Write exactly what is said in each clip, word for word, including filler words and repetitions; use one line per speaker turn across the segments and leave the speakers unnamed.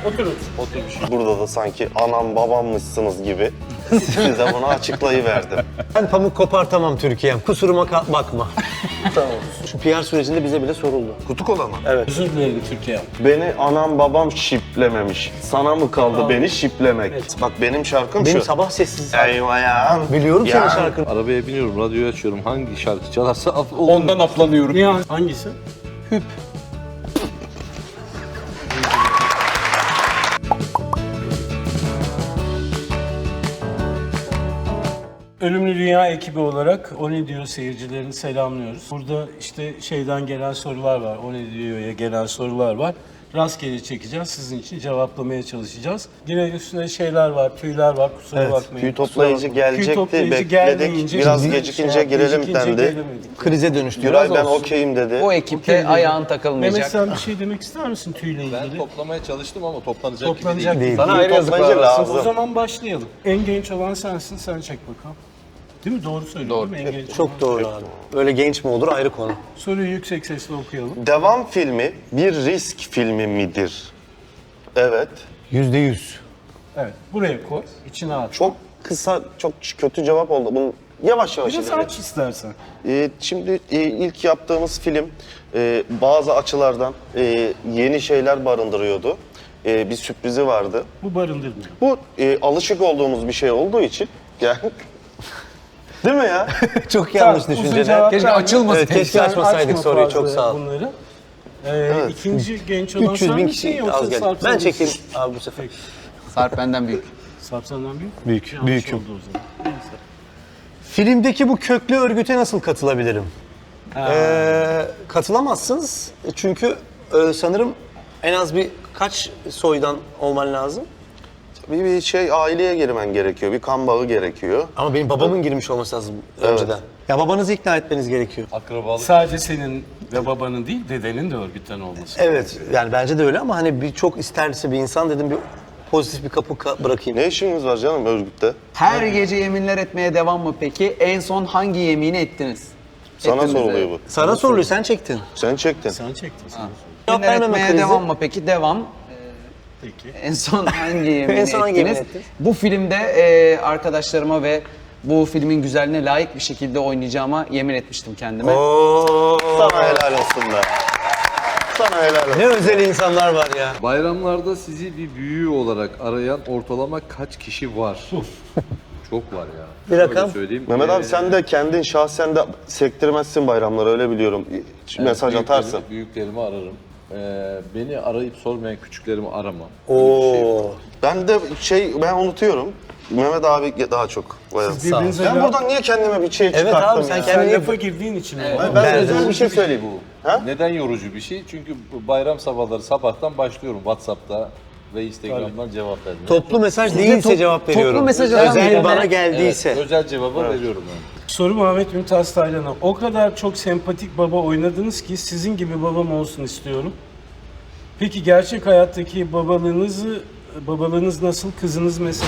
Oturun.
Oturmuş. Burada da sanki anam babammışsınız gibi size bunu açıklayıverdim.
Ben pamuk kopartamam Türkiye'm. Kusuruma bakma. Tamam. Şu P R sürecinde bize bile soruldu.
Kutu kola mı?
Evet.
Özür dilerim Türkiye.
Beni anam babam şiplememiş. Sana mı kaldı
Tamam.
beni şiplemek?
Evet.
Bak benim şarkım
Benim
şu.
sabah sessiz.
Eyvah ya.
Biliyorum
Ya.
senin şarkını.
Arabaya biniyorum, radyoyu açıyorum. Hangi şarkı çalarsa af-
Ondan aflanıyorum. Niye? Hangisi? Hüp. Ölümlü Dünya ekibi olarak O Ne Diyor seyircilerini selamlıyoruz. Burada işte şeyden gelen sorular var, O Ne Diyor'ya gelen sorular var. Rastgele çekeceğiz, sizin için cevaplamaya çalışacağız. Yine üstüne şeyler var, tüyler var, kusura
Evet,
bakmayın.
Tüy toplayıcı gelecekti,
Tüy toplayıcı
bekledik.
gelmeyince
Biraz
biz de
gecikince
şey-
girelim
gecikince
dendi.
gelemedik.
Krize dönüştü.
Güray
Biraz
ben
olsun.
okeyim dedi.
O ekipte ayağın takılmayacak.
Mehmet sen bir şey demek ister misin tüyle ilgili?
Ben toplamaya çalıştım ama toplanacak,
Toplanacak
gibi değil.
Değil.
Sana ayrı yazıklar
Toplayıcı
olsun.
lazım.
O zaman başlayalım. En genç olan sensin, sen çek bakalım. Değil mi? Doğru söylüyorum değil mi? En genç olan.
Çok doğru abi. Öyle genç mi olur ayrı konu.
Soruyu yüksek sesle okuyalım.
Devam filmi bir risk filmi midir? Evet.
Yüzde yüz.
Evet, buraya koy, içine at.
Çok kısa, çok kötü cevap oldu. Bunu yavaş yavaş
Biraz
ilerleyelim.
aç istersen.
Ee, şimdi e, ilk yaptığımız film e, bazı açılardan e, yeni şeyler barındırıyordu. E, bir sürprizi vardı.
Bu barındırmıyor.
Bu e, alışık olduğumuz bir şey olduğu için yani değil mi ya?
Çok yanlış
Tamam, uzun
düşünceler.
cevap
Keşke
verme.
açılmasın.
Evet, keşke
Sen
açmasaydık
açma
soruyu.
fazla
Çok sağ ol.
Bunları. Ee, İkinci genç olan
üç yüz
sen
bin
misin
kişi
yoksa
az geldi.
Sarp
Ben
sen
çekeyim
misin?
abi bu sefer.
Sarp benden büyük.
Sarp senden büyük.
Büyük,
Yanlış
büyüküm.
oldu o zaman. Neyse.
Filmdeki bu köklü örgüte nasıl katılabilirim? Ee, katılamazsınız. Çünkü e, sanırım en az bir kaç soydan olman lazım?
Bir, bir şey aileye girmen gerekiyor. Bir kan bağı gerekiyor.
Ama benim babamın girmiş olması lazım önceden. Ya babanızı ikna etmeniz gerekiyor.
Akrabalık.
Sadece senin ve babanın değil, dedenin de örgütten olması.
Evet, yani bence de öyle ama hani bir çok isterse bir insan dedim bir pozitif bir kapı ka- bırakayım.
Ne işiniz var canım örgütte?
Her gece yeminler etmeye devam mı peki? En son hangi yemini ettiniz?
Sana
Ettiniz
soruluyor
de.
bu.
Sana soruluyor, sen çektin.
Sen çektin.
Sen çektin sen.
Yeminler
vermeme
etmeye
krizi.
devam mı peki? Devam.
Peki.
En son hangi yemini
En son hangi
ettiniz?
yemini ettiniz?
Bu filmde e, arkadaşlarıma ve bu filmin güzelliğine layık bir şekilde oynayacağıma yemin etmiştim kendime.
Oo.
Sana helal olsun be. Sana helal olsun.
Ne özel insanlar var ya.
Bayramlarda sizi bir büyüğü olarak arayan ortalama kaç kişi var? Çok var ya.
Bir rakam.
Şöyle söyleyeyim.
Mehmet abi
Ee,
sen de kendin şahsen de sektirmezsin bayramları öyle biliyorum. Mesaj
büyüklerimi-
atarsın.
Büyüklerimi ararım. Ee, beni arayıp sormayan küçüklerimi aramam.
Oo.
Ben de şey ben unutuyorum. Mehmet abi daha çok. Bayağı.
Siz birbirinize
Ben
la-
buradan niye kendime bir şey
Evet
çıkarttım
abi, sen
ya?
kendine-
sen
kendini-
lafa girdiğin için mi?
Ben, ben özel bir şey söyleyeyim. Ha?
Neden yorucu bir şey? Çünkü bu bayram sabahları sabahtan başlıyorum WhatsApp'ta ve Instagram'dan cevap vermeye.
Toplu mesaj değilse
top-
cevap
toplu
veriyorum.
mesaj
özel
alan
bana
birine-
geldiyse.
Evet, özel cevabı veriyorum yani.
Soru Muhammed Mümtaz Taylan'a. O kadar çok sempatik baba oynadınız ki sizin gibi babam olsun istiyorum. Peki gerçek hayattaki babalığınızı, babalığınız nasıl? Kızınız mesela?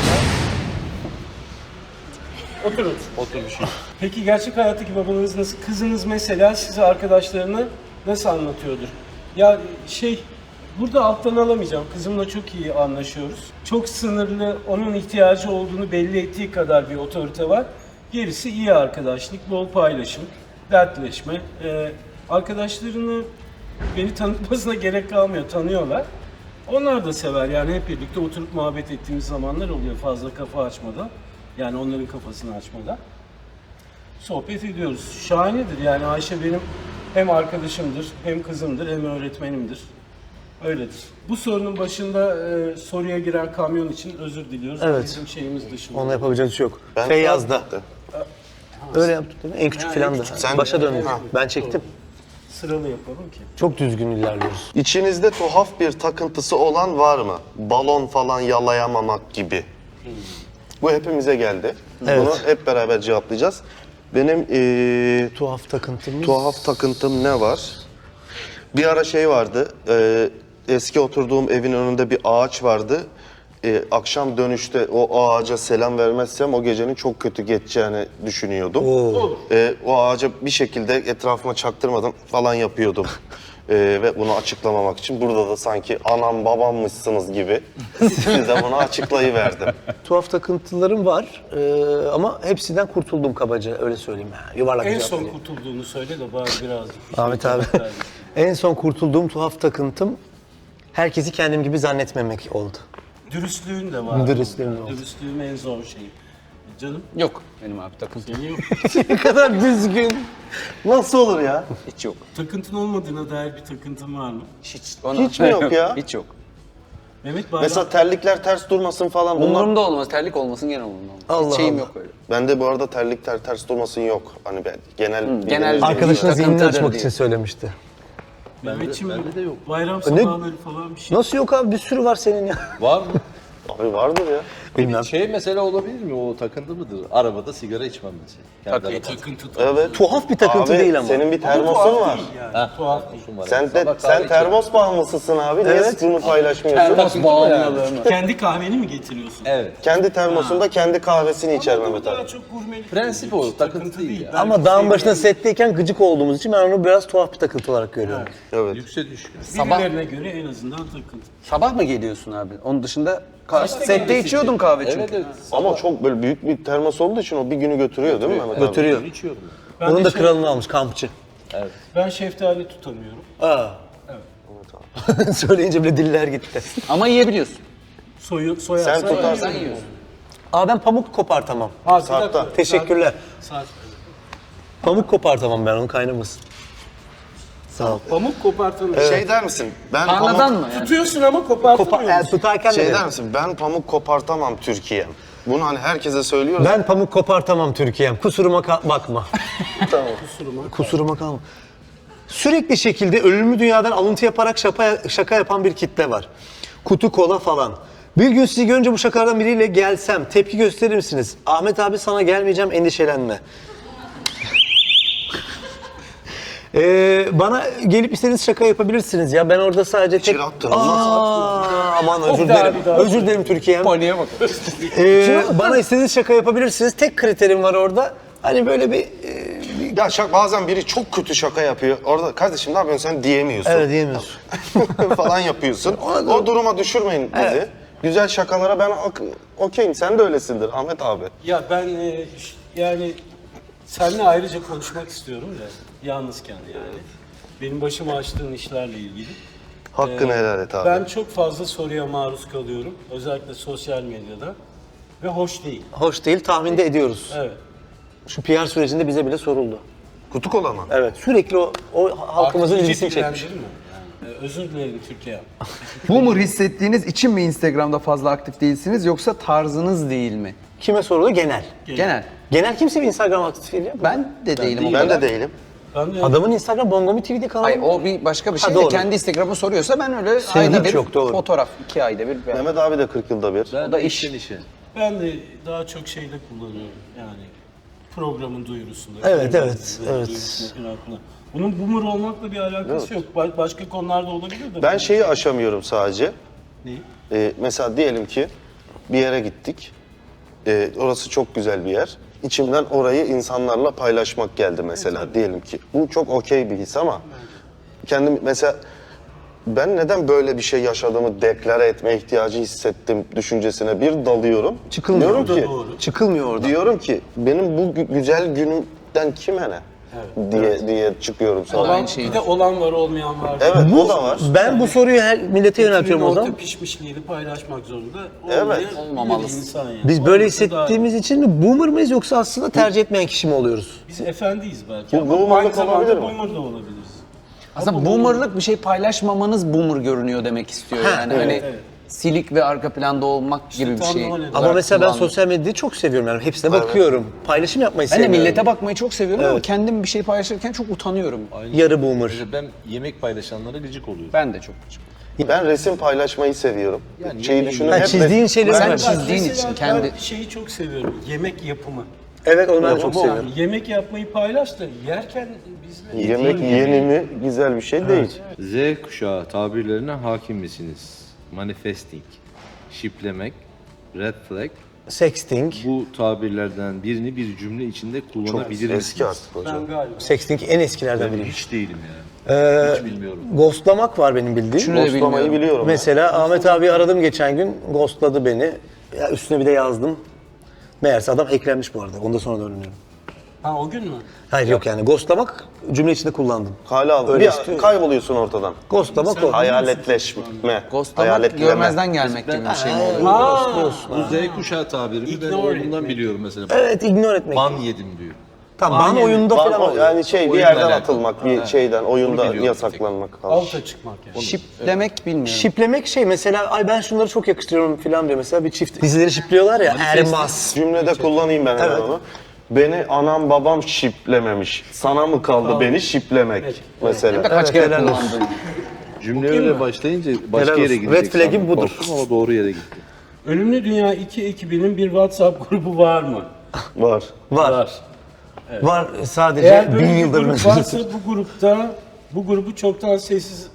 Oturun.
Oturmuşum.
Peki gerçek hayattaki babalığınız nasıl? Kızınız mesela size arkadaşlarına nasıl anlatıyordur? Ya şey, burada alttan alamayacağım. Kızımla çok iyi anlaşıyoruz. Çok sınırlı, onun ihtiyacı olduğunu belli ettiği kadar bir otorite var. Gerisi iyi arkadaşlık, bol paylaşım, dertleşme. Ee, arkadaşlarını beni tanıtmasına gerek kalmıyor, tanıyorlar. Onlar da sever yani hep birlikte oturup muhabbet ettiğimiz zamanlar oluyor fazla kafa açmadan. Yani onların kafasını açmadan. Sohbet ediyoruz. Şahanedir yani Ayşe benim hem arkadaşımdır, hem kızımdır, hem öğretmenimdir. Öyledir. Bu sorunun başında e, soruya giren kamyon için özür diliyoruz.
Evet.
Bizim şeyimiz dışında.
Onunla yapacak bir şey yok.
Ben
Feyyaz'da. Öyle yaptık değil mi? En küçük
Ha,
filan
en
da.
küçük.
Sen-
Başa döndük.
Ha.
Ben çektim.
Sıralı yapalım ki.
Çok düzgün ilerliyoruz.
İçinizde tuhaf bir takıntısı olan var mı? Balon falan yalayamamak gibi. Bu hepimize geldi.
Evet.
Bunu hep beraber cevaplayacağız. Benim eee,
Tuhaf takıntımız.
tuhaf takıntım ne var? Bir ara şey vardı. eee, eski oturduğum evin önünde bir ağaç vardı. Eee, akşam dönüşte o ağaca selam vermezsem o gecenin çok kötü geçeceğini düşünüyordum.
Oo.
Eee, o ağaca bir şekilde etrafıma çaktırmadan falan yapıyordum. Ee, ve bunu açıklamamak için burada da sanki anam babammışsınız gibi size bunu açıklayıverdim.
Tuhaf takıntılarım var ee, ama hepsinden kurtuldum kabaca öyle söyleyeyim. Yani. Yuvarlak
En
bir cevap
son
vereyim.
kurtulduğunu söyle de bari birazcık. bir şey
Ahmet abi.
cevap ver.
En son kurtulduğum tuhaf takıntım herkesi kendim gibi zannetmemek oldu.
Dürüstlüğün de var.
Dürüstlüğüm de oldu.
Dürüstlüğüm en zor şey. Canım
Yok benim abi takıntı.
senin yok.
Ne kadar düzgün. Nasıl olur ya?
Hiç yok.
Takıntın olmadığına dair bir takıntın var mı?
Hiç, ona-
Hiç mi yok ya?
Hiç yok.
Mehmet Bayram.
Mesela terlikler ters durmasın falan. Bunlar...
Umurumda olmaz. Terlik olmasın gene umurumda olmaz.
Allah
Hiç şeyim
Allah.
yok öyle.
Bende bu arada terlik ter, ters durmasın yok. Hani ben genel...
genel-
genel
Arkadaşın zihnini
Takıntıdır
açmak
diye.
için söylemişti.
Mehmetçim
bende de yok.
bayram sabahları falan bir şey.
Nasıl yok abi bir sürü var senin ya.
Var mı?
Abi vardır ya.
Bilmem.
Şey mesela olabilir mi? O takıntı mıdır? Arabada sigara içmem mesela. Kendi arabada.
Takıntı tabii.
Evet.
Tuhaf bir takıntı
Abi,
değil ama.
senin bir
Tuhaf
termosun var.
değil yani. Tuhaf değil.
Termosum var.
Sen de
Sabah kahve
sen
içiyorum.
termos bağımlısısın abi. Niye
Evet.
bunu paylaşmıyorsun?
Termos bağımlılığını.
Kendi kahveni mi getiriyorsun?
Evet.
Kendi termosunda kendi kahvesini içer
Ama bu
Mehmet
daha
abi.
çok gurmelik.
Prensip
değil.
o,
Hiç
takıntı değil ya.
Belki
Ama dağın
sevgi-
başında setteyken gıcık olduğumuz için ben onu biraz tuhaf bir takıntı olarak görüyorum.
Evet.
Lükse düşkün.
Sabah-
Birilerine göre en azından takıntı.
Sabah mı geliyorsun abi? Onun dışında ka-
Kaçta
sette
gelmesi
içiyordum kahve çünkü.
Evet evet.
Ama çok böyle büyük bir termos olduğu için o bir günü götürüyor değil mi Mehmet abi?
Götürüyor.
İçiyorum.
Ben
Onun
de
da
şey-
kralını almış kampçı.
Ben şeftali tutamıyorum.
Aa. Evet. Söyleyince bile diller gitti.
Ama yiyebiliyorsun.
Soyu, soyarsan
Sen tutarsın.
Sen yiyorsun.
Aa ben pamuk kopartamam.
Ha, bir
Sarpta.
dakika.
Teşekkürler.
Sarp.
Pamuk kopartamam ben onun kaynamasın. Sağ ol.
Pamuk kopartanı.
Şey der misin? Ben
Tarladan
pamuk...
mı yani?
Tutuyorsun ama kopartamıyor
Kopar, yani
musun?
tutarken de
Şey
derim.
der misin? Ben pamuk kopartamam Türkiye'm. Bunu hani herkese söylüyoruz.
Ben pamuk kopartamam Türkiye'm. Kusuruma ka- bakma.
Tamam.
Kusuruma kalma. Sürekli şekilde ölümlü dünyadan alıntı yaparak şaka, şaka yapan bir kitle var. Kutu kola falan. Bir gün sizi görünce bu şakalardan biriyle gelsem tepki gösterir misiniz? Ahmet abi sana gelmeyeceğim endişelenme. Ee, bana gelip istediğiniz şaka yapabilirsiniz ya. Ben orada sadece tek...
İçeri attın.
Aa, aman özür
Bir daha,
dilerim.
bir daha.
Özür dilerim Türkiye'm.
Paniğe bak.
Ee, bana istediğiniz şaka yapabilirsiniz. Tek kriterim var orada. Hani böyle bir... e,
Ya şak, bazen biri çok kötü şaka yapıyor. Orada kardeşim ne yapıyorsun sen diyemiyorsun.
evet diyemiyorsun.
falan yapıyorsun. O duruma düşürmeyin bizi.
Evet.
Güzel şakalara ben ok- okeyim. Sen de öylesindir Ahmet abi.
Ya ben e, ş- yani seninle ayrıca konuşmak istiyorum da yalnızken yani. Benim başıma açtığın işlerle ilgili.
Hakkını
Ee,
helal et abi.
Ben çok fazla soruya maruz kalıyorum. Özellikle sosyal medyada. Ve hoş değil.
Hoş değil, tahminde ediyoruz.
Evet.
Şu P R sürecinde bize bile soruldu.
Kutu kola mı?
Evet, sürekli o, o halkımızın
Artık
ilgisini
iyice
çekmiş.
direndirir mi? Yani, e, özür dilerim Türkiye.
Boomer hissettiğiniz için mi Instagram'da fazla aktif değilsiniz yoksa tarzınız değil mi?
Kime soruldu? Genel.
Genel.
Genel kimse bir Instagram aktif değil ya.
Ben de değilim o
Ben
kadar.
de değilim.
Ben de
Adamın Instagram Bongomi T V'de kanalı.
Hayır o bir başka bir şey
Ha,
de
doğru.
kendi Instagram'ı soruyorsa ben öyle
Senin
ayda
hiç
bir
yok, doğru.
fotoğraf, iki ayda bir. Ben...
Mehmet abi de kırk yılda bir.
Ben
da
de
iş.
işten işe.
Ben de daha çok şeyde kullanıyorum yani programın duyurusunda.
Evet,
filmin
evet, evet.
duyurusunda falan filan. Bunun boomer olmakla bir alakası yok. Ba- başka konularda olabilir de.
Ben şeyi aşamıyorum sadece.
Neyi?
Ee, mesela diyelim ki bir yere gittik. Ee, orası çok güzel bir yer. İçimden orayı insanlarla paylaşmak geldi mesela diyelim ki. Bu çok okey bir his ama kendim mesela ben neden böyle bir şey yaşadığımı deklare etme ihtiyacı hissettim düşüncesine bir dalıyorum.
Çıkılmıyor.
Diyorum
Bu da
ki,
doğru.
Çıkılmıyor orada.
diyorum ki benim bu gü- güzel günümden kime ne? diye diye çıkıyorum sonra.
Olan,
şeyi
bir de olan var olmayan var.
Evet
Bu,
o da var.
ben bu soruyu her millete yöneltiyorum o
Orta
zaman.
pişmişliğini paylaşmak zorunda.
Evet.
Olmayan
Olmamalısın.
bir insan yani.
Biz böyle
Olması daha iyi.
hissettiğimiz için mi boomer mıyız yoksa aslında tercih etmeyen kişi mi oluyoruz?
Biz efendiyiz belki
Bu
ama
boomerlık
aynı zamanda
olabilir mi?
boomer da olabiliriz.
Aslında boomerlık bir şey paylaşmamanız boomer görünüyor demek istiyor yani.
evet,
hani
evet.
silik ve arka planda olmak gibi bir
tam
şey.
da o neden.
Ama
olarak
mesela ben
kullandım.
sosyal medyayı çok seviyorum yani hepsine bakıyorum. Paylaşım yapmayı
Ben de
seviyorum.
millete bakmayı çok seviyorum ama
Evet.
kendim bir şey paylaşırken çok utanıyorum.
Yarı boomer.
Mesela ben yemek paylaşanlara gıcık oluyorum.
Ben de çok.
Ben resim paylaşmayı seviyorum.
Yani
Şeyi
yemeği-
düşünün
Ha,
hep
çizdiğin şeyleri
Sen
ben-
çizdiğin
Mesela
için
ben
kendi...
şeyi çok seviyorum. Yemek yapımı.
Evet onu ben
Evet,
çok
ama
seviyorum.
Yani yemek yapmayı paylaş da yerken bizle
yemek yeni mi güzel bir şey değil.
Z kuşağı tabirlerine hakim misiniz? Manifesting, şiplemek, red flag,
Sexting.
Bu tabirlerden birini bir cümle içinde kullanabilir misiniz?
Eski artık hocam.
Ben galiba.
Sexting en eskilerden
Ben
biri.
hiç değilim yani.
Ee,
hiç bilmiyorum.
Ghostlamak var benim bildiğim.
Şunu da
Ghostlamayı
bilmiyorum.
biliyorum.
Mesela Ahmet abi aradım geçen gün, ghostladı beni. Ya üstüne bir de yazdım. Meğerse adam hacklenmiş bu arada. Onu da sonra öğreniyorum.
Ha o gün mü?
Hayır yok yani ghostlamak cümle içinde kullandım.
Hala aldım.
Öyle
Bir
istiyor.
kayboluyorsun ortadan.
Ghostlamak o.
Hayaletleşme.
Ghostlamak
Hayaletleme.
görmezden gelmek gibi bir şey mi oluyor?
Bu Z kuşağı tabirimi ben
Ignore
oğlumdan
etmek.
biliyorum mesela.
Evet, ignore etmek.
Ban yedim diyor.
Tamam, ban oyunda
Ban-
falan
o-
oluyor.
yani şey bir
Oyunla
yerden
alakalı.
atılmak, bir şeyden, oyunda
Onu biliyorum.
yasaklanmak falan.
Alta çıkmak yani.
Şiplemek bilmiyorum.
Şiplemek şey mesela, ay ben şunları çok yakıştırıyorum falan diyor mesela bir çift. Dizileri şipliyorlar ya, Ermas.
Cümlede kullanayım ben hemen
Evet.
onu. Beni anam babam şiplememiş. Sana mı kaldı beni şiplemek mesela.
Kaç kere
helal olsun.
kullandın?
Cümle öyle başlayınca başka
Helal
yere
olsun.
gidecek.
Red flag'im
sandım.
budur.
Korktum ama doğru yere gitti.
Ölümlü Dünya iki ekibinin bir WhatsApp grubu var mı?
Var.
Var. Var sadece
Eğer böyle
bin
bir
yıldır
grup
mesela.
varsa bu grupta bu grubu çoktan sessiz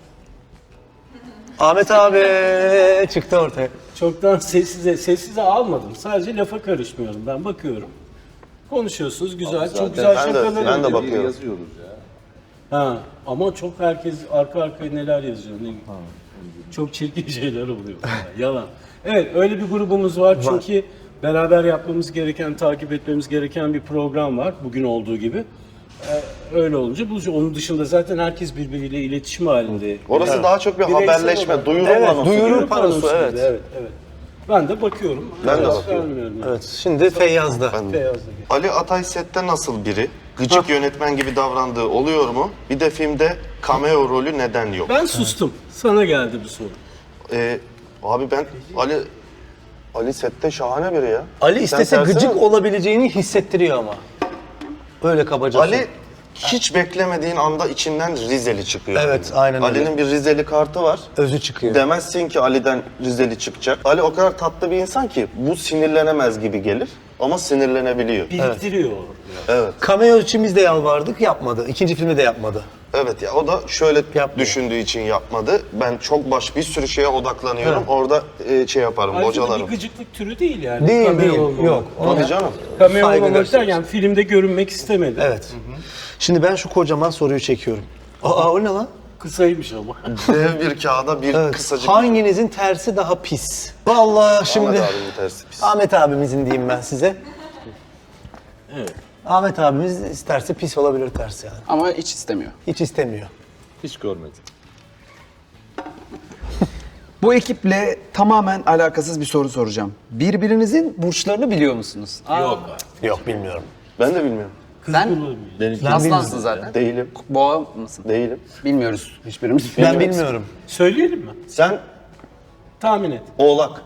Ahmet abi çıktı ortaya.
çoktan sessize sessize almadım. Sadece lafa karışmıyorum. Ben bakıyorum. Konuşuyorsunuz güzel, çok güzel
ben de-
şakalar
ben de
oluyor.
bakıyorum.
Yazıyoruz ya.
Ha, ama çok herkes arka arkaya neler yazıyor. Ne, çok çirkin şeyler oluyor. Yalan. Evet, öyle bir grubumuz var. Çünkü beraber yapmamız gereken, takip etmemiz gereken bir program var. Bugün olduğu gibi. Ee, öyle olunca bu onun dışında zaten herkes birbiriyle iletişim halinde.
Orası daha çok bir
Bireysel
haberleşme,
olarak.
duyuru
Evet,
panosu
duyuru
gibi.
Duyuru
panosu,
panosu
evet.
gibi, evet, evet. Ben de bakıyorum.
Ben de
Cevap
bakıyorum.
vermiyorum yani.
Evet, şimdi Feyyaz'da.
Beyazda gibi.
Ali Atay sette nasıl biri? Gıcık yönetmen gibi davrandığı oluyor mu? Bir de filmde cameo rolü neden yok?
Ben sustum. Sana geldi bu soru.
Ee, abi ben Ali Ali sette şahane biri ya.
Ali
Sen
istese
tersine-
gıcık olabileceğini hissettiriyor ama. Öyle kabaca.
Ali hiç beklemediğin anda içinden Rizeli çıkıyor.
Evet, aynen öyle.
Ali'nin bir Rizeli kartı var.
özü çıkıyor.
Demezsin ki Ali'den Rizeli çıkacak. Ali o kadar tatlı bir insan ki bu sinirlenemez gibi gelir ama sinirlenebiliyor.
Biriktiriyor.
Cameo için biz de yalvardık, yapmadı. İkinci filmde de yapmadı.
Evet ya o da şöyle
Yapmıyor.
düşündüğü için yapmadı. Ben çok baş bir sürü şeye odaklanıyorum. Orada e, şey yaparım,
Ayrıca da
bocalarım.
bir gıcıklık türü değil yani.
Değil,
Cameo
değil.
olmamak.
Yok.
Hadi canım.
Cameo
Saygı
olmamak
gösteriyorsun.
derken filmde görünmek istemedi.
Evet. Şimdi ben şu kocaman soruyu çekiyorum. Aa o ne lan?
Kısaymış ama.
Dev bir kağıda bir
Evet.
kısacık...
Hanginizin tersi daha pis? Vallahi şimdi
Ahmet
Ahmet,
abimin tersi pis.
abimizin diyeyim ben size.
Evet.
Ahmet abimiz isterse pis olabilir tersi yani.
Ama hiç istemiyor.
Hiç istemiyor.
Hiç görmedim.
Bu ekiple tamamen alakasız bir soru soracağım. Birbirinizin burçlarını biliyor musunuz?
Yok.
Yok bilmiyorum.
Ben de bilmiyorum.
Sen
Benim
aslansın zaten.
Değilim.
Boğa mısın?
Değilim.
Bilmiyoruz hiçbirimiz.
Ben bilmiyorum.
Söyleyelim mi?
Sen
Tahmin et.
Oğlak.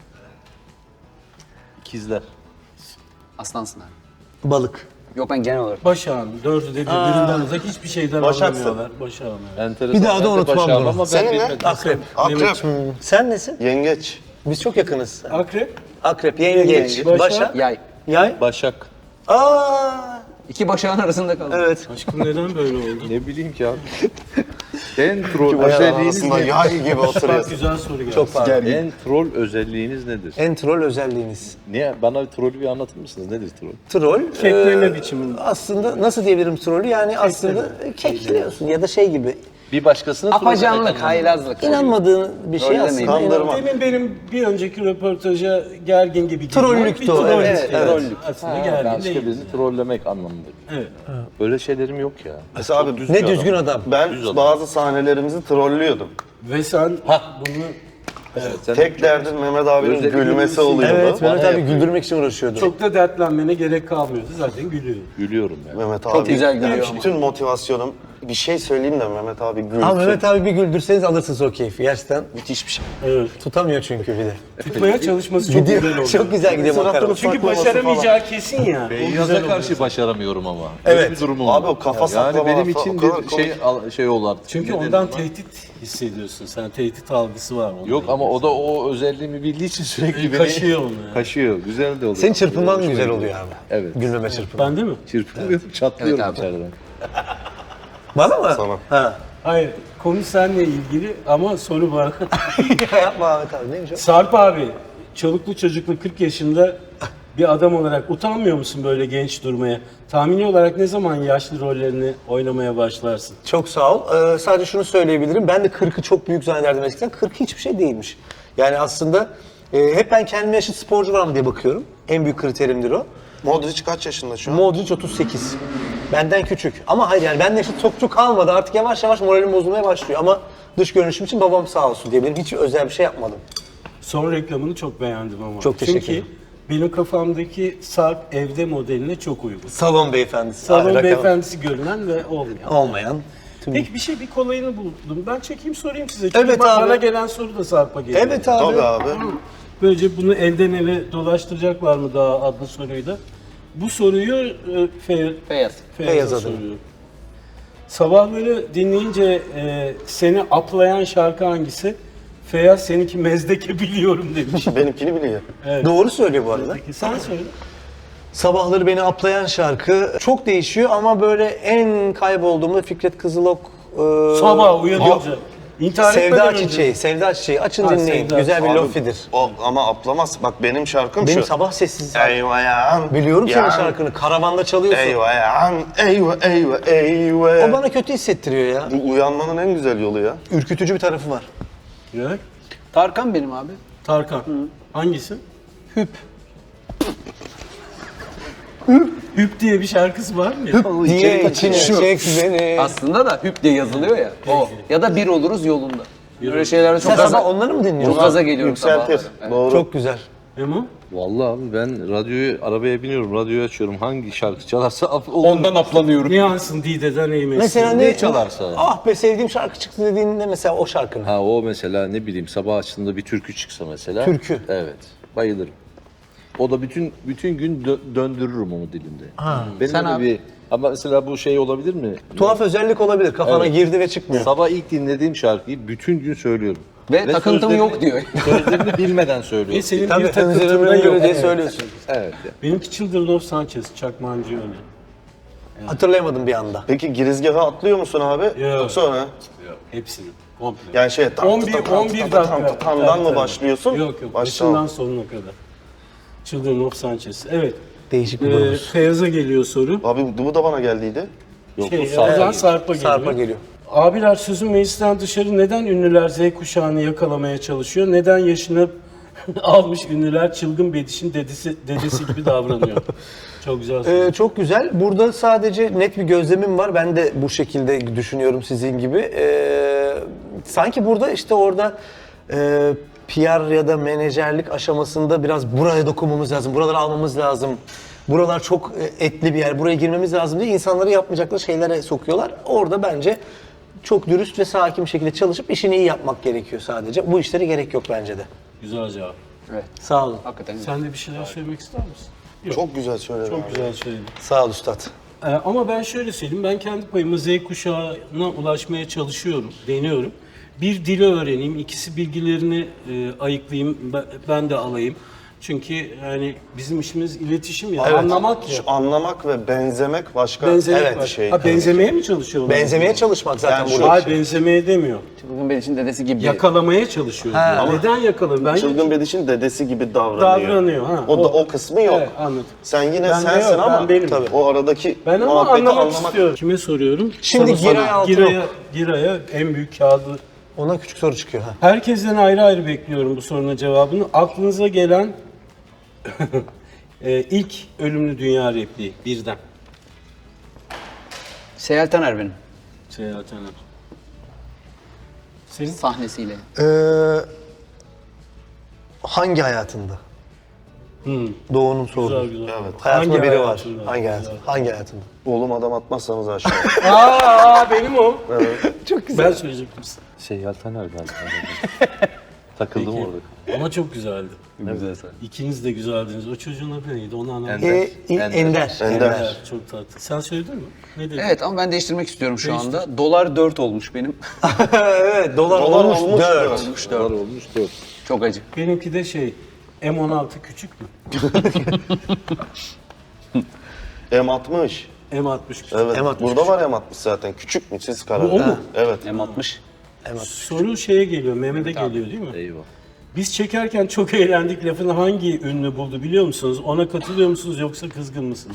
ikizler.
Aslansın abi.
Balık.
Yok ben genel olarak.
Başağın. Dördü de birbirinden uzak hiçbir şeyden
Başaksın.
anlamıyorlar. Başağın. Evet.
Enteresan.
Bir daha da
Ben de
unutmam
başardım
bunu.
ama ben
Senin ne?
bilmedim.
Akrep.
Akrep.
Sen nesin?
Yengeç.
Biz çok yakınız.
Akrep.
Akrep, yengeç,
Yengeç,
başak,
başak.
Yay.
yay.
Başak.
Aa,
İki başağın arasında kaldım.
evet.
Aşkım neden böyle oldu?
Ne bileyim ki abi. En troll
Başak
özelliğiniz
arasında
nedir?
yay gibi
Bak
oturuyorsun.
güzel soru geldi.
Çok pardon.
En troll özelliğiniz nedir?
En troll özelliğiniz.
Niye? Bana bir trollü bir anlatır mısınız? Nedir troll?
Troll.
Kekleme
e,
biçimi.
Aslında nasıl diyebilirim trollü? Yani aslında kekliyorsun ya da şey gibi.
Bir başkasını troll
Afacanlık, haylazlık.
İnanmadığın bir şey
Öyle
aslında.
miydi?
Kandırma.
Demin benim bir önceki röportaja gergin gibi girmem
Trollüktü
bir
o,
trollük
evet,
yani.
evet.
Aslında
Ha,
gergin
başka
değil.
birini trollemek anlamında.
Evet.
Öyle şeylerim yok ya.
Mesela abi
düz
Ne
bir
düzgün
adam.
adam.
ben
Düz adam.
bazı sahnelerimizi trollüyordum.
Ve sen bunu
Sen
Tek derdin Mehmet abinin
Özellikle
gülmesi
gülmesi.
oluyordu.
Evet, Mehmet
Bana
abi güldürmek için uğraşıyordu.
çok da dertlenmene gerek kalmıyordu. Zaten gülüyor.
gülüyorum yani.
Mehmet abi.
güzel gülüyor ama.
Bütün motivasyonum bir şey söyleyeyim de Mehmet abi gülsün.
Ama Mehmet abi bir güldürseniz alırsınız o keyfi. Gerçekten
Müthiş bir şey.
Evet.
tutamıyor çünkü bir de.
Tutmaya çalışması çok güzel
Gidiyor,
oldu.
çok güzel gidiyor makara.
Çünkü başaramayacağı kesin ya. O güzel
Feyyaz'a
oldu.
karşı başaramıyorum ama.
Evet.
Öyle bir durumum
Abi
var.
o kafa
Yani
saklama
benim
lafı
için
o kadar
bir şey al- şey oldu artık.
Çünkü
Ne dedim
ondan
ama?
tehdit hissediyorsun. Sen tehdit algısı var. onda.
Yok ama o da o özelliğimi bildiği için sürekli beni
Kaşıyor onu ya.
kaşıyor. Güzel de oluyor.
Senin çırpınman
Hoşuma
güzel
gidiyor.
oluyor abi.
Evet.
Gülmeme çırpınman.
Ben de mi?
Çırpınıyorum, çatlıyorum
Evet abi.
içeriden.
Bana mı?
Sana.
Ha.
Hayır. Konu seninle ilgili ama soru bana.
Yapma Ahmet abi neymiş o?
Sarp abi çoluklu çocuklu kırk yaşında bir adam olarak utanmıyor musun böyle genç durmaya? Tahmini olarak ne zaman yaşlı rollerini oynamaya başlarsın?
Çok sağ ol. Ee, sadece şunu söyleyebilirim. Ben de kırkı çok büyük zannederdim eskiden. kırk hiçbir şey değilmiş. Yani aslında e, hep ben kendime yaşıt sporcu var mı diye bakıyorum. En büyük kriterimdir o.
Modric kaç yaşında şu an?
Modric otuz sekiz. Benden küçük. Ama hayır yani benden yaşıt çok çok kalmadı. Artık yavaş yavaş moralim bozulmaya başlıyor. Ama dış görünüşüm için babam sağ olsun diyebilirim. Hiç özel bir şey yapmadım.
Son reklamını çok beğendim ama.
Çok teşekkür
Çünkü
ederim.
benim kafamdaki Sarp evde modeline çok uygun.
Salon beyefendisi.
Salon
Hayır,
beyefendisi görünen ve olmayan.
olmayan. Tüm-
Peki bir şey, bir kolayını buldum. Ben çekeyim sorayım size. Çünkü
Evet
bak,
abi.
bana gelen soru da Sarp'a geliyor.
Evet abi.
Tabii abi.
Böylece bunu elden ele dolaştıracaklar mı daha adlı soruyu da. Bu soruyu e, Fe,
Feyyaz.
Feyyaz'a
Feyyaz adına.
soruyorum. Sabahları dinleyince e, seni aplayan şarkı hangisi? Feyyaz seninki Mezdeke biliyorum demiş.
Benimkini biliyor.
Doğru söylüyor bu arada.
Peki sen söyle.
Sabahları beni aplayan şarkı çok değişiyor ama böyle en kaybolduğumda Fikret Kızılok e,
Sabah uyanınca. İntihar
Sevda
etmeden önce.
Çiçeği, Sevda Çiçeği açın
Ha,
dinleyin.
Sevda.
Güzel bir
Abi,
lofidir.
O, ama aplamaz. Bak benim şarkım
Benim
şu.
sabah sessiz.
Eyvah ya.
Biliyorum senin
Ya.
şarkını. Karavanda çalıyorsun.
Eyvah ya. Eyvah eyvah eyvah.
O bana kötü hissettiriyor ya.
Bu uyanmanın en güzel yolu ya.
Ürkütücü bir tarafı var.
Ya,
Tarkan benim abi.
Tarkan. Hangisi? Hüp. Hüp diye bir şarkısı var mı? ya?
Niye içine çek beni.
Aslında da hüp diye yazılıyor ya. O. Ya da bir oluruz yolunda. Böyle şeylerde çok
Sen
gaza,
sabah onları mı dinliyorsun?
çok gaza geliyorum
Yükseltir.
sabahları.
Doğru.
Çok güzel.
Memo?
Vallahi abi ben radyoyu, arabaya biniyorum, radyoyu açıyorum. Hangi şarkı çalarsa af- olur.
Ondan aplanıyorum.
Niyansın Dide'den eğmesin.
Mesela
Ne
ne
çalarsa.
Ah be sevdiğim şarkı çıktı dediğinde mesela o şarkını.
Ha o mesela ne bileyim sabah açtığında bir türkü çıksa mesela.
Türkü.
Evet. Bayılırım. O da bütün bütün gün dö- döndürürüm onu dilimde. Benim
Sen
öyle
abi?
bir ama mesela bu şey olabilir mi?
Tuhaf özellik olabilir. Kafana
Evet.
girdi ve çıkmıyor.
Sabah ilk dinlediğim şarkıyı bütün gün söylüyorum.
Ve takıntım
sözlerini-
yok diyor.
Sözlerini bilmeden
E
söylüyorum.
senin
Tabii
bir takıntında
üzerime
yok.
göre diye
Evet.
söylüyorsun.
Evet. ya.
Benimki Children of Sanchez, Çakmancı öyle.
Hatırlayamadım bir anda.
Peki girizgaha atlıyor musun abi?
Yok.
Yoksa sonra?
Hepsini. Komple.
Yani şey tam
on bir,
tam tam
on bir
tam
dakika.
tam tam tamdan
Tabii,
mı
tabii.
başlıyorsun?
Yok yok.
Baştan.
Başından sonuna kadar. Children of Sanchez. Evet.
Değişik bir
Ee,
grubuz.
Feyyaz'a geliyor soru.
Abi bu da bana geldiydi.
Yok,
Şey,
bu
o
Sarp'a
zaman
geliyor.
Sarp'a geliyor.
Sarp'a geliyor.
Abiler sözün meclisten dışarı neden ünlüler Z kuşağını yakalamaya çalışıyor? Neden yaşını almış ünlüler çılgın Bediş'in dedesi, dedesi gibi davranıyor? Çok güzel soru.
Ee, çok güzel. Burada sadece net bir gözlemim var. Ben de bu şekilde düşünüyorum sizin gibi. Ee, sanki burada işte orada e, P R ya da menajerlik aşamasında biraz buraya dokunmamız lazım, buraları almamız lazım. Buralar çok e, etli bir yer, buraya girmemiz lazım diye insanları yapmayacakları şeylere sokuyorlar. Orada bence çok dürüst ve sakin bir şekilde çalışıp işini iyi yapmak gerekiyor sadece. Bu işlere gerek yok bence de.
Güzel cevap.
Evet.
Sağ olun.
Hakikaten.
Sen de bir şeyler söylemek ister misin? Yok.
Çok güzel söyledin.
Çok
abi.
güzel söyledin.
Sağ ol üstad.
Ee, ama ben şöyle söyleyeyim, ben kendi payıma Z kuşağına ulaşmaya çalışıyorum, deniyorum. Bir dili öğreneyim, ikisi bilgilerini e, ayıklayayım, ben, ben de alayım. Çünkü yani bizim işimiz iletişim ya, anlamak ya.
Şu anlamak ve benzemek başka
Benzemek
evet,
var.
şey.
Ha, benzemeye mi çalışıyorlar?
Benzemeye çalışmak zaten
Yani
burada.
şu-
Hayır, benzemeye demiyor.
Bugün benim için dedesi gibi.
Yakalamaya çalışıyor. diyor. Neden yakalamıyor? Ben
Çılgın Bediş'in dedesi gibi davranıyor.
Davranıyor, ha.
O, da
O-
o kısmı yok.
Evet, anladım.
Sen yine
Ben de
sensin
yok,
ama
ben benim.
Tabii. o aradaki
Ben ama
muhabbeti
anlamak, istiyorum. Kime soruyorum?
Şimdi
Sana-
Giray
sana.
Altınok.
Giray'a, Giray'a en büyük kağıdı.
Ona küçük soru çıkıyor. Ha.
Herkesten ayrı ayrı bekliyorum bu sorunun cevabını. Aklınıza gelen e, ilk ölümlü dünya repliği birden.
Seyahat Taner benim.
Seyahat Hanım. Senin?
Sahnesiyle.
Ee, hangi hayatında?
Hmm,
Doğu'nun soru.
güzel güzel.
Evet.
Hayatında
Hangi
biri var.
hayatında?
Hangi
Güzel.
hayatında? Hangi hayatında?
Oğlum adam atmazsanız aşağı.
Aa, benim o. Çok güzel. Ben söyleyecektim size.
Seyyal Taner galiba. Takıldım
Peki.
orada.
Ama çok güzeldi.
Güzel sen.
İkiniz de güzeldiniz. O çocuğun adı neydi? Onu anlamadım.
Ender.
Ee, İ-
Ender.
Ender.
Ender.
Evet, çok tatlı. Sen söyledin mi? Ne dedin?
Evet ama ben değiştirmek istiyorum şu
Değiştir.
anda. Dolar dört olmuş benim.
evet, dolar,
Dolar
olmuş,
olmuş
dört.
dört.
olmuş
Dolar
dört.
olmuş dört.
Çok acı.
Benimki de şey, M on altı küçük mü?
M altmış.
M altmış küçük.
Evet.
M altmış
Burada var M altmış zaten. Küçük mü? Siz karar
Bu o
verin.
mu?
Evet.
M altmış.
Soru şeye geliyor, Mehmet'e geliyor değil mi?
Eyvah.
Biz çekerken çok eğlendik lafını hangi ünlü buldu biliyor musunuz? Ona katılıyor musunuz yoksa kızgın mısınız?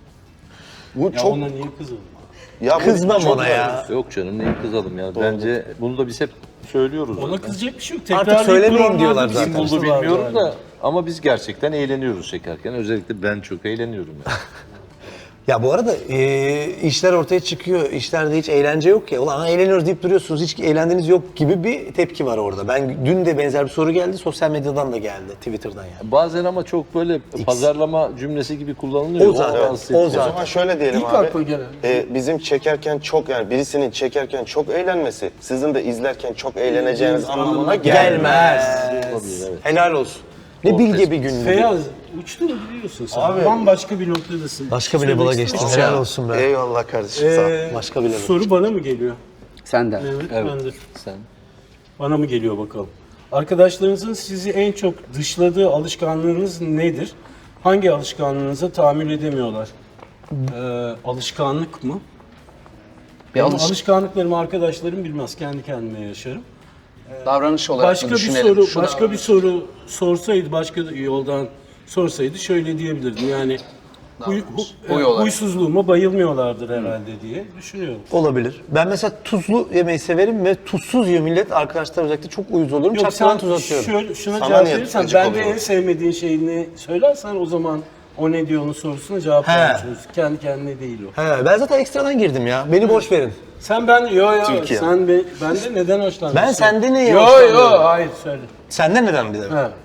Bu
Ya
çok
ona niye kızıldın?
ya bu
Kızmam
çok
ona ya.
Yok canım neyi kızalım ya. Bence bunu da biz hep söylüyoruz.
Ona
zaten.
kızacak bir şey yok.
Artık
Tekrarlayıp
söylemeyin
duranlar
diyorlar
da
zaten.
Kim buldu
sıkıntısı var
bilmiyorum
yani.
da ama biz gerçekten eğleniyoruz çekerken. Özellikle ben çok eğleniyorum yani.
Ya bu arada e, işler ortaya çıkıyor. İşlerde hiç eğlence yok ya. Ulan eğleniyoruz deyip duruyorsunuz. Hiç eğlendiğiniz yok gibi bir tepki var orada. Ben dün de benzer bir soru geldi. Sosyal medyadan da geldi. Twitter'dan yani.
Bazen ama çok böyle pazarlama cümlesi gibi kullanılıyor.
O zaten,
rahatsız
o
edici.
O
zaten.
zaman şöyle diyelim
İlk
abi.
akla gelen.
e, bizim çekerken çok yani birisinin çekerken çok eğlenmesi sizin de izlerken çok eğleneceğiniz anlamına gelmez.
Gelmez.
Olabilir, evet.
Helal olsun. Ne bilge bir gündü.
Feyyaz uçtu mu biliyorsun sen.
Abi-
Bambaşka bir noktadasın.
Başka bir
Söylemek
level'a geçtim.
istemiyorum.
Helal olsun be.
Eyvallah kardeşim sağ ol.
Ee,
Başka bir level.
Soru bana mı geliyor?
Senden.
Evet,
Evet.
ben de.
Sen.
Bana mı geliyor bakalım. Arkadaşlarınızın sizi en çok dışladığı alışkanlığınız nedir? Hangi alışkanlığınıza tahammül edemiyorlar? Ee, alışkanlık mı?
Bir
Benim
alış-
alışkanlıklarımı arkadaşlarım bilmez. Kendi kendime yaşarım.
davranış olarak
Başka
da
bir
düşünelim.
soru,
Şu
başka bir
davranış.
soru sorsaydı, başka yoldan sorsaydı şöyle diyebilirdim. Yani huy, hu-
Huy
e,
olarak.
huysuzluğuma bayılmıyorlardır herhalde diye düşünüyorum.
Olabilir. Ben mesela tuzlu yemeği severim ve tuzsuz yiyor millet. Arkadaşlar özellikle çok uyuz oluyorum.
Yok
Çakmadan
sen
tuz atıyorum.
şöyle, şuna
Sana
cevap
niye
verirsen,
gıcık
ben de
oluyor?
en sevmediğin şeyini söylersen o zaman o ne diyor onun sorusuna cevap
He.
vermiş olursun. Kendi kendine değil o.
He, ben zaten ekstradan girdim ya. Beni boş verin.
Sen ben, yo yo,
Türkiye.
sen be, ben de neden hoşlandın?
Ben sende neye
Yo
hoşlanıyorum?
yo, hayır söyle.
Senden neden bir de?
Ha.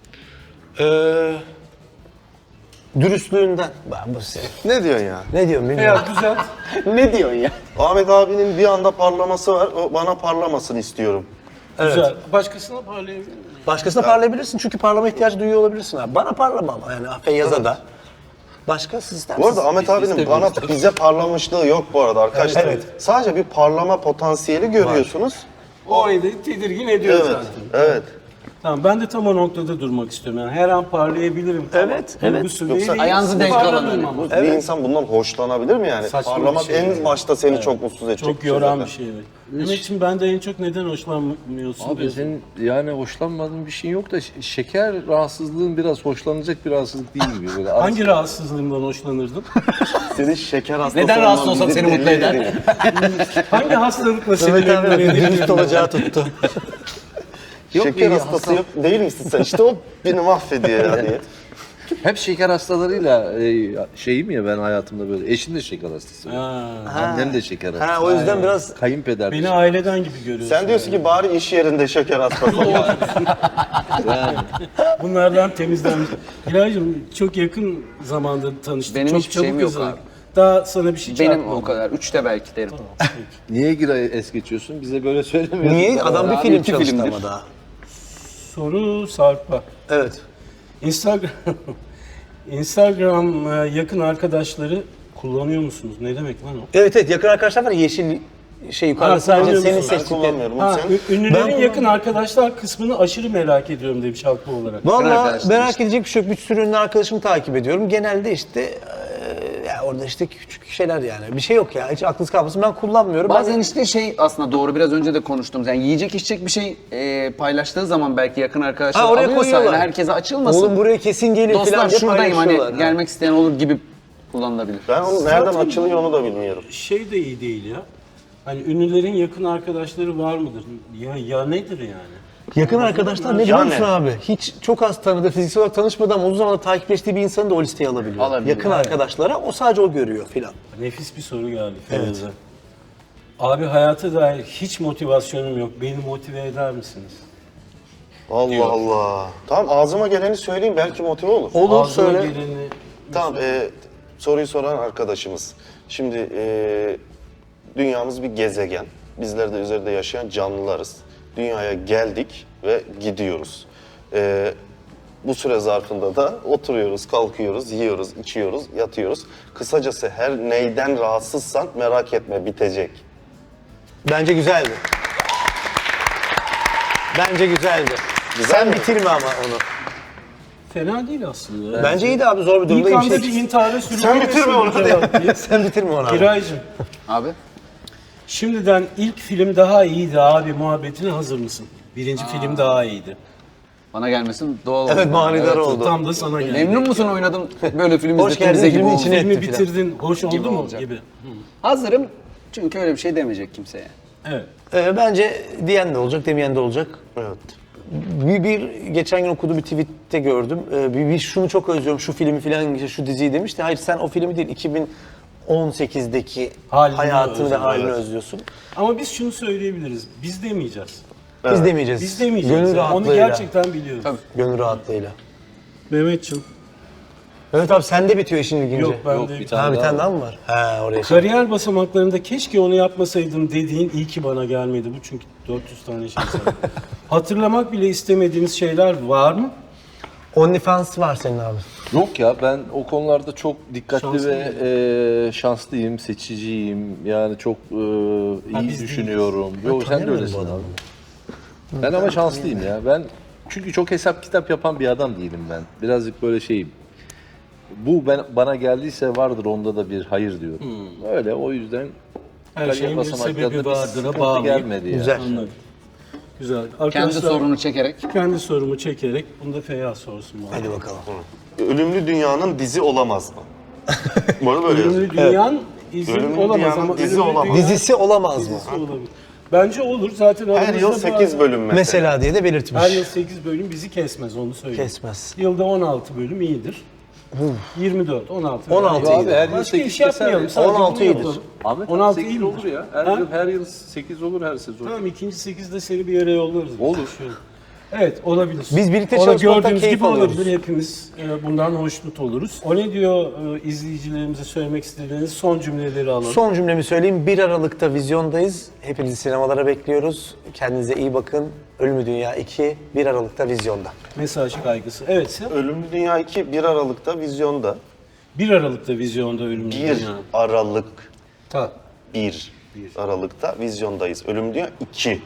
Ee, dürüstlüğünden. Ben bu senin.
Ne diyorsun ya?
Ne diyorum bilmiyorum.
Veya güzel.
Ne diyorsun ya?
Ahmet abinin bir anda parlaması var. O bana parlamasını istiyorum.
Güzel. Başkasına parlayabilir miyim?
Başkasına parlayabilirsin çünkü parlama ihtiyacı duyuyor olabilirsin abi. Bana parlama ama yani Feyyaz'a da. Başka siz ister
Bu arada
misiniz?
Ahmet abinin bana bize parlamışlığı yok bu arada arkadaşlar.
Evet.
Sadece bir parlama potansiyeli görüyorsunuz.
O eli tedirgin ediyor
Evet.
zaten.
Evet.
Tamam, ben de tam o noktada durmak istiyorum. Yani her an parlayabilirim. Tamam.
Evet, evet.
Duygusu
Yoksa
değil,
ayağınızı denk
parlamıyorum
alın.
ama.
Bir insan bundan hoşlanabilir mi yani?
Saçma bir
Parlamak
şey
en
yani.
başta seni çok mutsuz edecek.
Çok
şey
yoran
zaten.
bir şey. Evet. Mehmetciğim, ben de en çok neden hoşlanmıyorsun?
Abi
diyorsun.
senin yani hoşlanmadığın bir şeyin yok da ş- şeker rahatsızlığın biraz hoşlanacak bir rahatsızlık değil gibi böyle.
Hangi rahatsızlığımdan hoşlanırdın?
Senin şeker hastası
Neden rahatsız
olman
olsam
bizi
seni mutlu
deli
eder?
ediyor.
Hangi hastalıkla seni
Mehmet abi
memnun
bakın dürüst
edebilirim?
olacağı tuttu.
Şeker hastası yok, değil misin sen? İşte o beni mahvediyor yani.
Hep şeker hastalarıyla e, şeyim ya ben hayatımda böyle. Eşim de şeker hastası.
Ha,
Annem de şeker hastası.
Ha o yüzden biraz
Kayınpeder de
beni
şeker-
aileden gibi görüyorsun.
Sen diyorsun ki bari iş yerinde şeker hastası ol.
Bunlardan temizlenmiş. Hilal'cığım, çok yakın zamanda tanıştık.
Benim
çok
hiçbir şeyim yok
hızlandık.
abi.
Daha sana bir şey
Benim
çarpmadı.
o kadar. Üçte belki derim.
Niye gira es geçiyorsun? Bize böyle söylemiyorsun.
niye adam bir
Abi
film
iki
çalıştı
filmdir.
ama daha.
Soru Sarp'a.
Evet.
Instagram Instagram e, yakın arkadaşları kullanıyor musunuz? Ne demek lan o?
Evet evet yakın arkadaşlar var ya, yeşil şey yukarıda
Ha,
sadece
kullanıyor
senin
musun?
Ben
seçtiklerin.
kullanmıyorum.
Ha,
Sen?
ü- ünlülerin
Ben-
yakın arkadaşlar kısmını aşırı merak ediyorum demiş haklı olarak.
Valla
arkadaşlar
merak
işte.
edecek bir şey yok. Bir sürü ünlü arkadaşımı takip ediyorum. Genelde işte eee, ya orada işte küçük şeyler yani. Bir şey yok ya. Hiç aklınız kalmasın. Ben kullanmıyorum.
Bazen
Ben-
işte şey aslında doğru biraz önce de konuştuğumuz yani yiyecek içecek bir şey e, paylaştığı zaman belki yakın arkadaşlar
Ha, oraya
alıyorsa
koyuyorlar.
yani herkese açılmasın.
Oğlum buraya kesin gelin falan
Dostlar
diye
şuradayım hani
paylaşıyorlar.
gelmek isteyen olur gibi kullanılabilir.
Ben onun nereden açılıyor onu da bilmiyorum.
Şey de iyi değil ya. Hani ünlülerin yakın arkadaşları var mıdır? Ya ya nedir yani?
Yakın arkadaşlar ne biliyor musun abi? Hiç çok az tanıdığı, fiziksel olarak tanışmadan ama uzun zamandır takipleştiği bir insanı da o listeye alabiliyor.
Alabiliyor,
Yakın
evet.
arkadaşlara o sadece o görüyor filan.
Nefis bir soru geldi Feyyaz'a. Abi, hayata dair hiç motivasyonum yok. Beni motive eder misiniz?
Allah Allah. Tamam ağzıma geleni söyleyeyim belki motive olur.
Olur
Ağzına
söyle.
geleni
Tamam e, soruyu soran arkadaşımız. Şimdi e, dünyamız bir gezegen. Bizler de üzerinde yaşayan canlılarız. Dünyaya geldik ve gidiyoruz. E, bu süre zarfında da oturuyoruz, kalkıyoruz, yiyoruz, içiyoruz, yatıyoruz. Kısacası her neyden rahatsızsan merak etme bitecek.
Bence güzeldi. Bence güzeldi.
Güzel
Sen
mi?
bitirme ama onu.
fena değil aslında.
Bence iyiydi abi zor bir
İlk
durumda iyi
anda
bir
bir
şey.
intihara sürüklemesin
bitirme
bu
onu hadi.
cevap diye.
Sen bitirme onu abi.
Giraycığım,
Abi
şimdiden ilk film daha iyiydi abi muhabbetine hazır mısın? Birinci film daha iyiydi.
Bana gelmesin doğal
Evet
oldu.
manidar oldu.
Tam da sana geldi.
Memnun musun oynadım böyle film
Hoş
izlettiğimize
geldin,
gibi
filmin
oldu.
içine
Filmi
etti filan.
bitirdin, hoş oldu
Gibi
mu
olacak.
gibi.
Hazırım çünkü öyle bir şey demeyecek kimseye.
Evet.
Ee, bence diyen de olacak, demeyen de olacak.
Evet.
Bir, bir geçen gün okuduğum bir tweette gördüm. Ee, bir, bir şunu çok özlüyorum, şu filmi filan, işte şu diziyi demişti. Hayır sen o filmi değil, iki bin on sekizdeki
Halini
hayatını ve
özlüyorum,
halini
evet.
özlüyorsun.
Ama biz şunu söyleyebiliriz. Biz demeyeceğiz.
Biz demeyeceğiz.
Biz demeyeceğiz.
Gönül
yani. Onu
rahatlığıyla.
gerçekten biliyoruz.
Tabii.
Gönül rahatlığıyla.
Mehmetciğim.
Evet abi sende bitiyor işin ilginci.
Yok ben
Yok,
de.
bir tane
Ha bir
daha
tane
var.
daha mı var? Ha oraya.
Kariyer basamaklarında keşke onu yapmasaydım dediğin iyi ki bana gelmedi bu çünkü dört yüz tane şey saydım. Hatırlamak bile istemediğiniz şeyler var mı?
OnlyFans var senin abi.
Yok ya ben o konularda çok dikkatli
Şanslı
ve e, şanslıyım, seçiciyim. Yani çok e, iyi
biz
düşünüyorum. Yok sen de
tanıyamıyorum
öylesin
bu
abi.
adamı.
Ben ama şanslıyım ya. Ben çünkü çok hesap kitap yapan bir adam değilim ben. Birazcık böyle şeyim. Bu ben bana geldiyse vardır onda da bir hayır diyorum. Öyle o yüzden
Her
kariyer
şeyin bir
basamaklarında
sebebi vardır.
sıkıntı
Bağlı.
gelmedi ya.
Güzel.
Anladım. Güzel.
Kendi
Arkadaşlar,
sorunu çekerek.
kendi sorumu çekerek bunu da Feyyaz sorsun bana.
Hadi bakalım.
Ölümlü Dünya'nın dizi olamaz mı? Bu arada böyle yazıyor.
Ölümlü Dünyan izin
Ölümlü
olamaz
Dünya'nın
ama
dizi
Ölümlü
olamaz.
Dünya
Dizisi olamaz mı?
dizisi olabilir. Bence olur. Zaten
Her
aramızda
yıl
bazı-
sekiz bölüm mesela.
Mesela diye de belirtmiş.
Her yıl sekiz bölüm bizi kesmez onu söyleyeyim.
Kesmez.
Yılda on altı bölüm iyidir. yirmi dört, on altı.
on altı
Abi her yıl
Başka
sekiz
iş yapmayalım.
keser.
Sadece
on altı
bunu
iyidir.
yapalım.
Ahmet
on altı
sekiz
iyi
olur
midir?
ya. Her
Ha?
yıl her yıl sekiz olur her sezon.
Tamam ikinci sekizde seni bir yere yollarız.
Olur.
Şöyle. Evet olabilir.
Biz birlikte
O da
çalışmaktan
gördüğünüz
keyif
gibi
alıyoruz.
olabilir. Hepimiz e, bundan hoşnut oluruz. O ne diyor e, izleyicilerimize söylemek istediğiniz son cümleleri alalım.
Son cümlemi söyleyeyim. bir Aralık'ta vizyondayız. Hepinizi sinemalara bekliyoruz. Kendinize iyi bakın. Ölümlü Dünya iki bir Aralık'ta vizyonda.
Mesaj kaygısı. Evet sen
Ölümlü Dünya iki bir Aralık'ta vizyonda.
bir Aralık'ta vizyonda Ölümlü
bir
Dünya.
Aralık
Ta.
bir Aralık'ta vizyondayız. Ölümlü Dünya iki.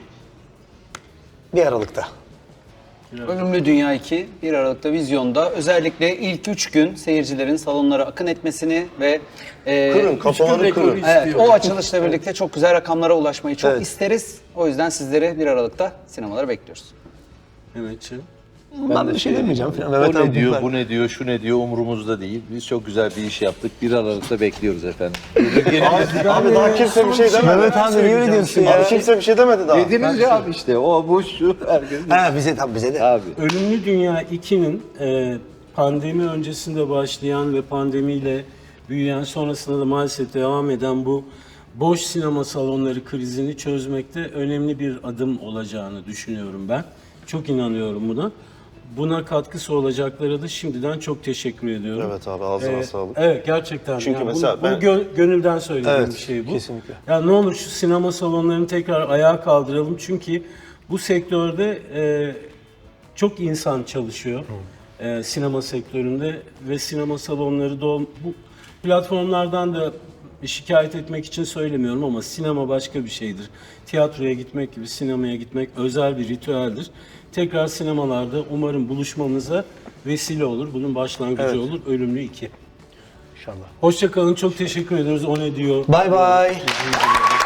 bir Aralık'ta.
Ölümlü Dünya iki bir Aralık'ta vizyonda. Özellikle ilk üç gün seyircilerin salonlara akın etmesini ve e,
Kırın, kafaları
rekoru
kırın.
istiyor.
Evet, o açılışla birlikte çok güzel rakamlara ulaşmayı çok
Evet.
isteriz. O yüzden sizleri bir Aralık'ta sinemalara bekliyoruz.
Mehmetciğim.
Ben de bir şey demeyeceğim falan.
O
Mehmet
ne
abi
diyor,
bunlar.
bu ne diyor, şu ne diyor umurumuzda değil. Biz çok güzel bir iş yaptık. bir Aralık'ta bekliyoruz efendim.
Abi daha kimse bir şey demedi.
Mehmet abi niye öyle diyorsun ya?
Abi kimse bir şey demedi daha.
Dediniz ya abi işte o bu şu herkes.
Ha bize tabii bize de.
Abi.
Ölümlü Dünya iki'nin e, pandemi öncesinde başlayan ve pandemiyle büyüyen sonrasında da maalesef devam eden bu boş sinema salonları krizini çözmekte önemli bir adım olacağını düşünüyorum ben. Çok inanıyorum buna. Buna katkısı olacaklara da şimdiden çok teşekkür ediyorum.
Evet abi, ağzına
Ee,
sağlık.
Evet gerçekten.
Çünkü
Yani
mesela
bunu, bunu
ben-
gö- gönülden söylediğim
Evet,
bir şey bu.
kesinlikle.
Ya ne olur şu sinema salonlarını tekrar ayağa kaldıralım çünkü bu sektörde e, çok insan çalışıyor. E, sinema sektöründe ve sinema salonları da ol- bu platformlardan da şikayet etmek için söylemiyorum ama sinema başka bir şeydir. Tiyatroya gitmek gibi sinemaya gitmek özel bir ritüeldir. Tekrar sinemalarda umarım buluşmamıza vesile olur. Bunun başlangıcı olur. Ölümlü iki.
İnşallah.
Hoşça kalın. Çok teşekkür ediyoruz. O ne diyor?
Bye bye.